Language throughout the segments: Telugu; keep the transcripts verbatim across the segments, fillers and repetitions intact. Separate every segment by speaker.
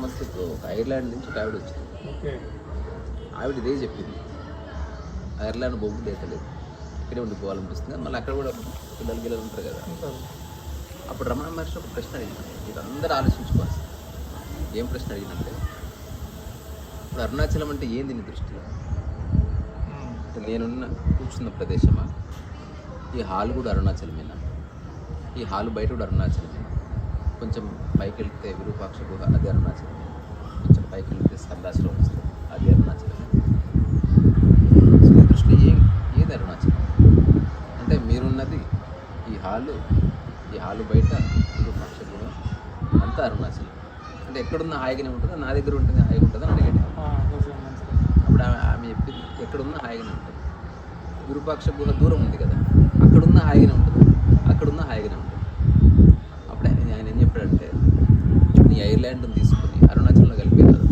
Speaker 1: సమస్యతో ఒక ఐర్లాండ్ నుంచి ఒక ఆవిడ వచ్చింది.
Speaker 2: ఓకే.
Speaker 1: ఆవిడ ఇదే చెప్పింది, ఐర్లాండ్ బొగ్గు లేతలేదు, ఇక్కడే ఉండిపోవాలనిపిస్తుంది. మళ్ళీ అక్కడ కూడా పిల్లలు గిల్లలు ఉంటారు కదా. అప్పుడు రమణ మహర్షి ఒక ప్రశ్న అడిగినాను, ఇది అందరూ ఆలోచించుకోవాలి. ఏం ప్రశ్న అడిగినంటే, ఇప్పుడు అరుణాచలం అంటే ఏంది నీ దృష్టిలో? అంటే నేనున్న కూర్చున్న ప్రదేశమా, ఈ హాల్ కూడా అరుణాచలమేనా, ఈ హాల్ బయట కూడా అరుణాచలమేనా, కొంచెం పైకి వెళ్తే విరూపాక్ష గుహ అది అరుణాచలమే, కొంచెం పైకి వెళ్తే స్కందాశ్రమం వస్తుంది అది అరుణాచలమే. సో నీ దృష్టిలో ఏం ఏది అరుణాచలం అంటే, మీరున్నది ఈ హాలు, ఈ హాలు బయట విరూపాక్ష గుహ అంతా అరుణాచలం అంటే ఎక్కడున్న హాయిగానే ఉంటుందా, నా దగ్గర ఉంటుంది హాయిగా ఉంటుందా అని అడిగాడు. అప్పుడు ఆమె ఆమె చెప్పింది, ఎక్కడున్నా హాయిగానే ఉంటుంది. విరూపాక్ష గుహ దూరం ఉంది కదా, అక్కడున్న హాయిగానే ఉంటుంది, అక్కడున్న హాయిగానే ఉంటుంది. అప్పుడు ఆయన ఆయన ఏం చెప్పాడంటే, నీ ఐర్లాండ్ని తీసుకుని అరుణాచలంలో కలిపేదారు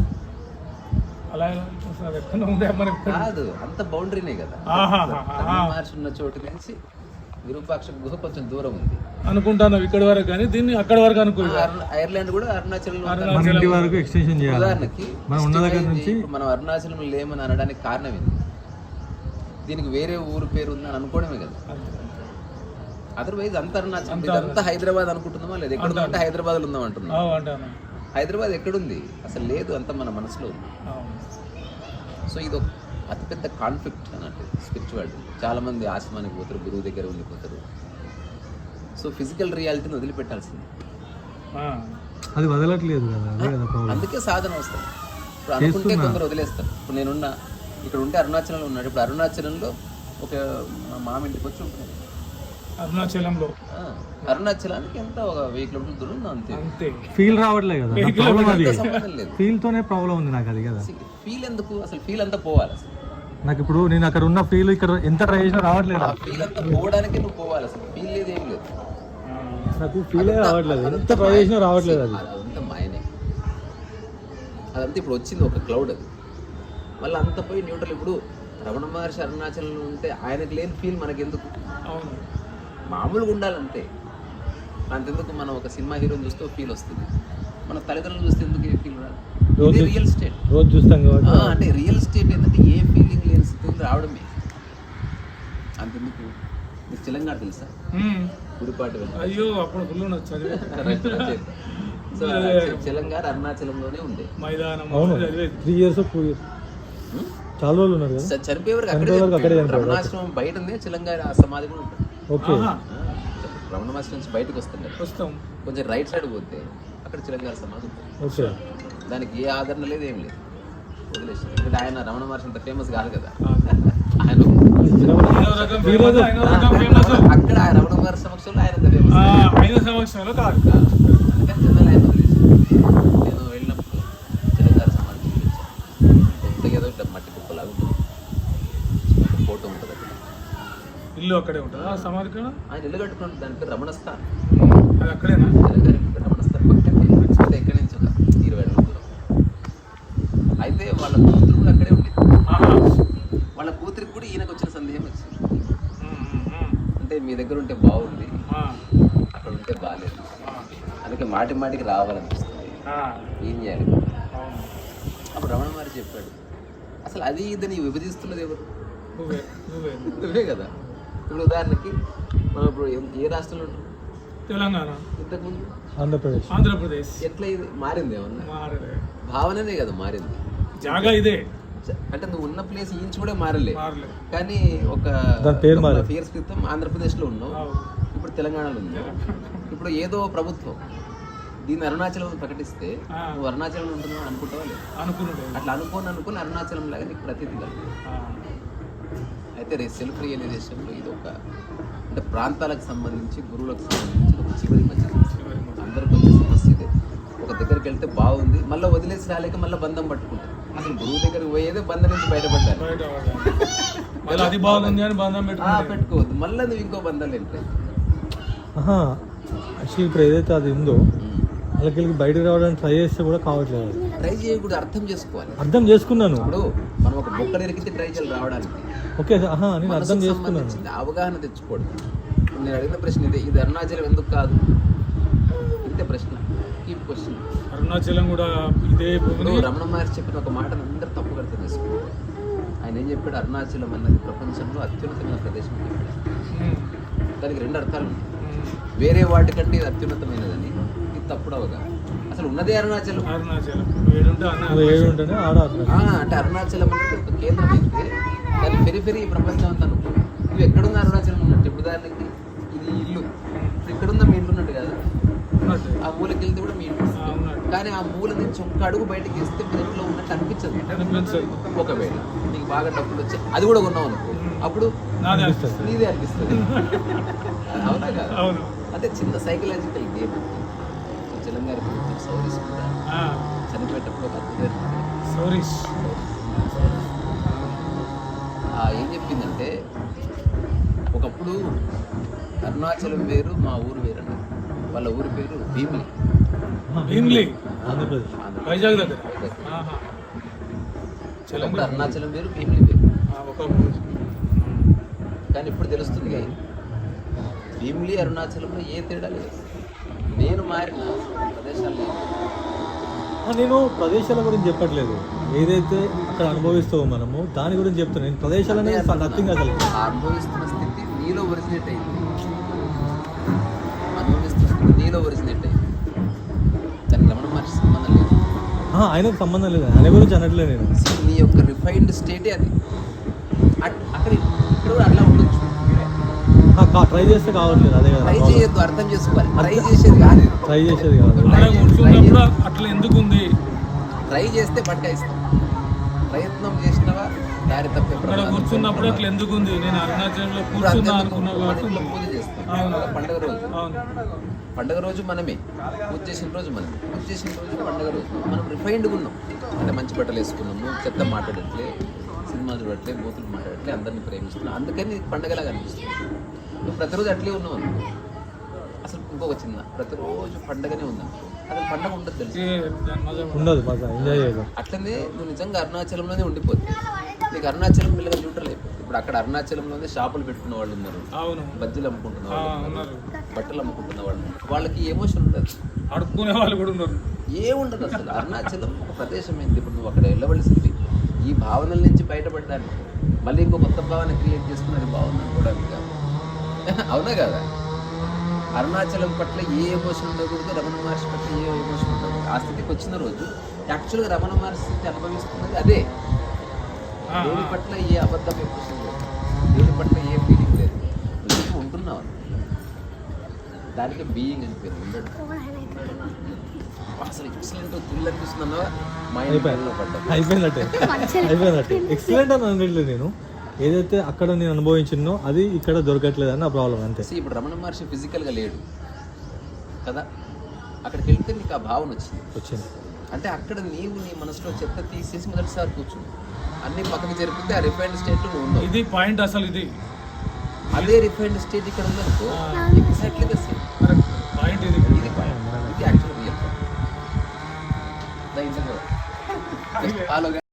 Speaker 1: కాదు, అంత బౌండరీనే కదా. మహర్షి ఉన్న చోటు నుంచి విరూపాక్ష గుహ కొంచెం దూరం ఉంది
Speaker 2: అనుకుంటాను, ఇక్కడ వరకు కానీ దీన్ని అక్కడ వరకు అనుకుంటా.
Speaker 1: ఐర్లాండ్ కూడా అరుణాచలం
Speaker 3: వరకు ఎక్స్టెన్షన్ చేయాలి.
Speaker 1: ఉదాహరణకి మనం అరుణాచలం లేమని అనడానికి కారణం ఏంటి? దీనికి వేరే ఊరు పేరు ఉందని అనుకోవడమే కదా. అదర్వైజ్ అంత అరుణాచలం ఇదంతా హైదరాబాద్ అనుకుంటున్నామా లేదు? ఎక్కడ అంటే హైదరాబాద్ ఉందాం అంటున్నాం. హైదరాబాద్ ఎక్కడుంది అసలు? లేదు, అంత మన మనసులో ఉంది. సో ఇది ఒక అతిపెద్ద కాన్ఫ్లిక్ట్ అన్నట్టు స్పిరిచువాలిటీ. చాలామంది ఆశ్రమానికి పోతారు, గురువు దగ్గర ఉండిపోతారు. సో ఫిజికల్ రియాలిటీని వదిలిపెట్టాల్సింది,
Speaker 3: అది వదలట్లేదు కదా.
Speaker 1: అందుకే సాధన వస్తుంది. ఇప్పుడు అనుకుంటే కొందరు వదిలేస్తారు. ఇప్పుడు నేనున్న ఇక్కడ ఉంటే అరుణాచలంలో ఉన్నాడు, ఇప్పుడు అరుణాచలంలో ఒక మామ ఇంటికి వచ్చి ఉంటుంది.
Speaker 2: అరుణాచలంలో
Speaker 1: అరుణాచలానికి ఎంత ఒక వెయ్యి కిలోమీటర్ల దూరం ఉంది, అంతే.
Speaker 2: అంతే
Speaker 3: ఫీల్ రావట్లేదు కదా,
Speaker 1: సంబంధం లేదు.
Speaker 3: ఫీల్ తోనే ప్రాబ్లం ఉంది నాకు. అది కదా
Speaker 1: ఫీల్ ఎందుకు అసలు? ఫీల్ అంతా పోవాలి అసలు.
Speaker 3: నాకు ఇప్పుడు నేను అక్కడ ఉన్న ఫీల్ ఇక్కడ ఎంత ట్రై చేసినా రావట్లేదు.
Speaker 1: ఫీల్ అంతా పోవడానికి నువ్వు పోవాలి, అసలు ఫీల్ లేదు, ఏం లేదు.
Speaker 3: నాకు ఫీల్ రావట్లేదు, ఎంత ట్రై చేసినా రావట్లేదు. అది
Speaker 1: అదంతా మాయనే. అదంతా ఇప్పుడు వచ్చింది ఒక క్లౌడ్. అది మళ్ళీ అంత పోయి న్యూట్రల్. ఇప్పుడు రమణ మహర్షి అరుణాచలంలో ఉంటే ఆయనకు లేని ఫీల్ మనకెందుకు?
Speaker 2: అవును,
Speaker 1: మామూలుగా ఉండాలంతే. అంతెందుకు మనం ఒక సినిమా హీరోని చూస్తే ఫీల్ వస్తుంది, మన తల్లిదండ్రులు చూస్తే ఎందుకు ఏ ఫీల్ రాదు? ఇది రియల్ స్టేట్.
Speaker 3: రోజు చూస్తాం కాబట్టి
Speaker 1: అంటే రియల్ స్టేట్ ఏంటంటే ఏ ఫీలింగ్ లేని స్థితి రావడమే. అంతెందుకు మీకు తెలంగాణ తెలుసా? గుడిపాటి
Speaker 2: అయ్యో అప్పుడు
Speaker 1: సో తెలంగాణ అరుణాచలంలోనే ఉండే
Speaker 2: మైదానం.
Speaker 3: త్రీ ఇయర్స్ ఫోర్ ఇయర్స్ చాలా రోజులు ఉన్నారు కదా.
Speaker 1: చనిపోయే వరకు అక్కడే. రమణాశ్రమం బయట ఉంది, తెలంగాణ సమాధి కూడా ఉంటుంది.
Speaker 3: ఓకే,
Speaker 1: రమణ మహర్షి నుంచి బయటకు వస్తుండే
Speaker 2: వస్తాం,
Speaker 1: కొంచెం రైట్ సైడ్ పోతే అక్కడ తెలంగాణ సమాధి ఉంటుంది.
Speaker 3: ఓకే,
Speaker 1: దానికి ఏ ఆదరణ లేదు, ఏం లేదు, వదిలేసి. ఎందుకంటే ఆయన రమణ మహర్షి అంత ఫేమస్ కాదు కదా. ఆయన అక్కడ ఆయన రమణ మహర్షి సమక్షంలో ఆయన
Speaker 2: సమక్షంలో కాదు.
Speaker 1: అందుకని జనాలు ఆయన వదిలేసి నేను వెళ్ళినప్పుడు తెలంగాణ సమాధి చూపించాను. కొత్తగా ఏదో ఇట్లా మట్టి కుప్పలాగా ఉంటుంది, ఫోటో ఉంటుంది అక్కడ.
Speaker 2: ఇల్లు అక్కడే ఉంటుంది ఆ సమాధి కూడా.
Speaker 1: ఆయన ఇల్లు కట్టుకున్నట్టు దాని పేరు రమణస్థాన్.
Speaker 2: అది అక్కడేనా?
Speaker 1: తెలంగాణ రమణస్థాన్ పక్కనే. అంటే ఎక్కడి నుంచి ఒక ఇరవై అడుగుల దూరం. అయితే వాళ్ళ కూతురు కూడా అక్కడే ఉండేది. వాళ్ళ కూతురికి కూడా ఈయనకు వచ్చిన సందేహం వచ్చింది, అంటే మీ దగ్గర ఉంటే బాగుంది, అక్కడ ఉంటే బాగాలేదు, అందుకే మాటి మాటికి రావాలనిపిస్తుంది, ఏం చేయాలి? అప్పుడు రమణ మహర్షి చెప్పాడు, అసలు అది ఇదని విభజిస్తున్నది ఎవరు? నువ్వే కదా. ఇప్పుడు ఉదాహరణకి మనం ఇప్పుడు ఏ రాష్ట్రంలో ఉంటాం?
Speaker 2: తెలంగాణ.
Speaker 1: ఇంతకుముందు
Speaker 3: ఆంధ్రప్రదేశ్.
Speaker 2: ఆంధ్రప్రదేశ్
Speaker 1: ఎట్లా ఇది మారింది? ఏమన్నా భావననే కదా మారింది.
Speaker 2: జాగా ఇదే
Speaker 1: అంటే నువ్వు ఉన్న ప్లేస్ ఇంచు కూడా మారలే, కానీ ఒక ఇయర్స్ క్రితం ఆంధ్రప్రదేశ్ లో ఉన్నావు, ఇప్పుడు తెలంగాణలో ఉన్నావు. ఇప్పుడు ఏదో ప్రభుత్వం దీన్ని అరుణాచలం ప్రకటిస్తే నువ్వు అరుణాచలం ఉంటున్నావు అనుకుంటావా లేదు?
Speaker 2: అనుకుంటావు.
Speaker 1: అట్లా అనుకోని అనుకుని అరుణాచలం లాగా నీకు ప్రతీతి కలుగు. అయితే రే సెల్ఫ్ రియలైజేషన్లో ఇది ఒక అంటే ప్రాంతాలకు సంబంధించి, గురువులకు సంబంధించి ఒక చివరి మధ్య అందరికి వచ్చే సమస్య ఇదే. ఒక దగ్గరికి వెళ్తే బాగుంది, మళ్ళీ వదిలేసి రాలేక మళ్ళీ బంధం పట్టుకుంటారు. అసలు గురువు దగ్గరికి పోయేదే బంధం నుంచి బయటపడ్డారు. పెట్టుకోవద్దు, మళ్ళీ నువ్వు ఇంకో బంధాలు వెళ్తాయి.
Speaker 3: యాక్చువల్లీ ఇప్పుడు ఏదైతే అది ఉందో వాళ్ళకి బయటకు రావడానికి ట్రై చేస్తే కూడా కావట్లేదు.
Speaker 1: ట్రై చేయకూడదు, అర్థం చేసుకోవాలి.
Speaker 3: అర్థం చేసుకున్నాను.
Speaker 1: ఇప్పుడు మనం ఒక బొక్క ఎరికితే ట్రై చేయాలి రావడానికి.
Speaker 3: ఓకే, నేను అర్థం చేసుకున్నాను.
Speaker 1: అవగాహన తెచ్చుకోవడం. నేను అడిగిన ప్రశ్న ఇదే, ఇది అరుణాచలం ఎందుకు కాదు? ఇంత అంతే ప్రశ్న ఈ క్వశ్చన్.
Speaker 2: అరుణాచలం కూడా ఇదే భూమిని
Speaker 1: రమణ మహర్షి చెప్పిన ఒక మాటను అందరూ తప్పుగా అర్థం చేసుకున్నారు. ఆయన ఏం చెప్పాడు, అరుణాచలం అన్నది ప్రపంచంలో అత్యున్నతమైన ప్రదేశం అని చెప్పాడు.
Speaker 2: ఉమ్,
Speaker 1: దానికి రెండు అర్థాలు ఉన్నాయి.
Speaker 2: ఉమ్,
Speaker 1: వేరే వాటికంటే ఇది అత్యున్నతమైనదని, ఇది తప్పుడు అవగా. అసలు ఉన్నదే అరుణాచలం.
Speaker 2: అరుణాచలం ఏడుంటే అన్న
Speaker 3: అది ఏడు ఉంటేనే ఆడ అర్థం.
Speaker 1: ఆ, అంటే అరుణాచలం అంటే ఒక కేంద్రం అయితే దాని పెరిఫెరీ ప్రపంచం అంతా అనుకో. నువ్వు ఎక్కడున్న అరుణాచలం ఉన్నట్టు. ఇప్పుడు దానికి ఇది ఇల్లు, ఇప్పుడు ఇక్కడున్న మీ ఇల్లు ఉన్నట్టు కదా,
Speaker 2: ఉన్నట్టు.
Speaker 1: ఆ మూలకి వెళ్తే కూడా మీ ఇల్లు
Speaker 2: ఆ, ఉన్నట్టు.
Speaker 1: కానీ ఆ మూల నుంచి ఒక్క అడుగు బయటకి వేస్తే మీ ఇంట్లో ఉన్నట్టు అనిపించదు.
Speaker 2: అనిపించదు.
Speaker 1: ఒకవేళ నీకు బాగా డబ్బులు వచ్చి అది కూడా కొన్నావు అనుకో, అప్పుడు
Speaker 2: నాదే
Speaker 3: అనిపిస్తుంది.
Speaker 1: నీదే అనిపిస్తుంది. అవునా కదా?
Speaker 2: అవును.
Speaker 1: అంటే చిన్న సైకలాజికల్ గేమ్. తెలంగాణ సౌరీస్ కూడా
Speaker 2: ఆ,
Speaker 1: చనిపోయేటప్పుడు ఒక అద్భుతమైన
Speaker 2: సౌరీష్
Speaker 1: ఆ ఏం చెప్పిందంటే, ఒకప్పుడు అరుణాచలం వేరు, మా ఊరు వేరు అన్నారు. వాళ్ళ ఊరి పేరు భీమిలి.
Speaker 2: భీమ్లీ
Speaker 3: ఆంధ్రప్రదేశ్.
Speaker 1: ఆంధ్రప్రదేశ్.
Speaker 2: వైజాగ్ దగ్గర.
Speaker 1: వైజాగ్.
Speaker 2: ఆహా.
Speaker 1: ఒకప్పుడు
Speaker 2: తెలంగాణ
Speaker 1: అరుణాచలం వేరు, భీమిలి వేరు.
Speaker 2: ఒకప్పుడు
Speaker 1: కానీ ఇప్పుడు తెలుస్తుంది భీమిలి అరుణాచలంలో ఏ తేడా లేదు. నేను మారిన ప్రదేశాలు
Speaker 3: ఆ, నేను ప్రదేశాల గురించి చెప్పట్లేదు, ఏదైతే అక్కడ అనుభవిస్తావో మనము దాని గురించి చెప్తాను. నేను ప్రదేశాలు అనేది నథింగ్ అసలు.
Speaker 1: ఆ అనుభవిస్తున్న స్థితి నీలో ఒరిజినేట్ అయింది. అనుభవిస్తున్న స్థితి నీలో ఒరిజినేట్ అయింది. దానికి రమణ మహర్షి సంబంధం లేదు.
Speaker 3: ఆ, ఆయనకు సంబంధం లేదు, ఆయన గురించి అనట్లేదు నేను.
Speaker 1: See, నీ యొక్క రిఫైన్డ్ స్టేటే అది. అట్- అక్కడ ఇక్కడ కూడా అట్లా ఉండొచ్చు.
Speaker 3: ట్రై చేస్తే కావట్లేదు, అదే కదా
Speaker 1: ట్రై చేయొద్దు, అర్థం చేసుకోవాలి. ట్రై చేసేది కాదు ఇది.
Speaker 3: ట్రై చేసేది కాదు.
Speaker 2: అక్కడ కూర్చున్నప్పుడు అట్లా ఎందుకు ఉంది?
Speaker 1: ట్రై చేస్తే పట్టాయిస్తాం. ప్రయత్నం చేసినవా దారి తప్పే
Speaker 2: అక్కడ
Speaker 1: ప్రమాదం.
Speaker 2: కూర్చున్నప్పుడు అట్లా ఎందుకు ఉంది? నేను అరుణాచలంలో
Speaker 1: ఇప్పుడు
Speaker 2: కూర్చున్నా
Speaker 1: అంతేందుకు
Speaker 2: అనుకున్నావు
Speaker 1: మన
Speaker 2: కాబట్టి
Speaker 1: ఇంట్లో
Speaker 2: ఉంది.
Speaker 1: పూజ చేస్తాం.
Speaker 2: అవును.
Speaker 1: పండగ రోజు
Speaker 2: అవును.
Speaker 1: పండగ రోజు మనమే, పూజ చేసిన రోజు మనమే, పూజ చేసిన రోజు పండగ రోజు మనం రిఫైన్డ్గా ఉన్నాం. అంటే మంచి బట్టలు వేసుకున్నాము, చెత్త మాట్లాడట్లే, సినిమా చూడట్లే, బూతులు మాట్లాడట్లే, అందరినీ ప్రేమిస్తున్నాం. అందుకని ఇది పండగలాగా అనిపిస్తుంది. నువ్వు ప్రతిరోజు అట్లే ఉన్నావు అనుకో, అసలు ఇంకొక చిన్న ప్రతిరోజు పండగనే ఉందనుకో, అసలు పండగ ఉండదు తెలుసు.
Speaker 2: ఏ, దాని మజా ఉండదు.
Speaker 3: ఉండదు మజా, ఎంజాయ్ చేయదు.
Speaker 1: అట్లనే నువ్వు నిజంగా అరుణాచలంలోనే ఉండిపోతుంది. నీకు అరుణాచలం పిల్లగా న్యూట్రల్ అయిపోతుంది. ఇప్పుడు అక్కడ అరుణాచలంలోనే షాపులు పెట్టుకున్న వాళ్ళు ఉన్నారు,
Speaker 2: అవును.
Speaker 1: బజ్జీలు అమ్ముకుంటున్న
Speaker 2: ఆ,
Speaker 1: వాళ్ళు ఉన్నారు,
Speaker 2: ఉన్నారు.
Speaker 1: బట్టలు అమ్ముకుంటున్న వాళ్ళు ఉన్నారు. వాళ్ళకి ఎమోషన్ ఉండదు,
Speaker 2: అడుక్కునే వాళ్ళు కూడా ఉన్నారు.
Speaker 1: ఏముండదు అసలు. అరుణాచలం ఒక ప్రదేశం ఏంది, ఇప్పుడు నువ్వు అక్కడ వెళ్ళవలసింది ఈ భావనల నుంచి బయటపడడానికి, మళ్ళీ ఇంకో కొత్త భావన క్రియేట్ చేసుకున్నది బాగుంది అనుకోవడానికి కాదు. అవునా కదా? అరుణాచలం పట్ల ఏ ఎమోషన్ ఉండకూడదు, రమణ మహర్షి పట్ల ఏ ఎమోషన్ ఉండకూడదు. ఆ స్థితికి వచ్చిన రోజు యాక్చువల్గా రమణ మహర్షి స్థితి అనుభవిస్తున్నది అదే.
Speaker 2: ఆ,
Speaker 1: దేని
Speaker 2: ఆ.
Speaker 1: పట్ల ఏ అబద్ధం ఎమోషన్ లేదు, దేని పట్ల ఏ ఫీలింగ్ లేదు, నువ్వు ఉంటున్నావు. దానికి బీయింగ్ అని పేరు ఉండడు. అసలు ఎక్సలెంట్ థ్రిల్ అనిపిస్తుందన్నా మైండ్
Speaker 3: అయిపోయింది.
Speaker 1: పడ్డా.
Speaker 3: అయిపోయినట్టే అయిపోయినట్టే ఎక్సలెంట్ అని అనట్లేదు నేను, ఏదైతే అక్కడ నేను అనుభవించినో అది ఇక్కడ దొరకట్లేదు అని నా ప్రాబ్లం అంతే.
Speaker 1: See, ఇప్పుడు రమణ మహర్షి ఫిజికల్గా లేడు కదా, అక్కడికి వెళ్తే నీకు ఆ భావన వచ్చింది.
Speaker 3: వచ్చింది
Speaker 1: అంటే అక్కడ నీవు నీ మనసులో చెత్త తీసేసి మొదటిసారి కూర్చుంది, అన్ని పక్కకి జరిపితే ఆ రిఫైన్డ్ స్టేట్లో నువ్వు ఉన్నావు.
Speaker 2: ఇది పాయింట్ అసలు. ఇది
Speaker 1: అదే రిఫైన్డ్ స్టేట్ ఇక్కడ ఉందనుకో, exactly the same.
Speaker 2: Correct point ఇది.
Speaker 1: ఇది పాయింట్, ఇది యాక్చువల్ రియల్ పాయింట్. ఫాలో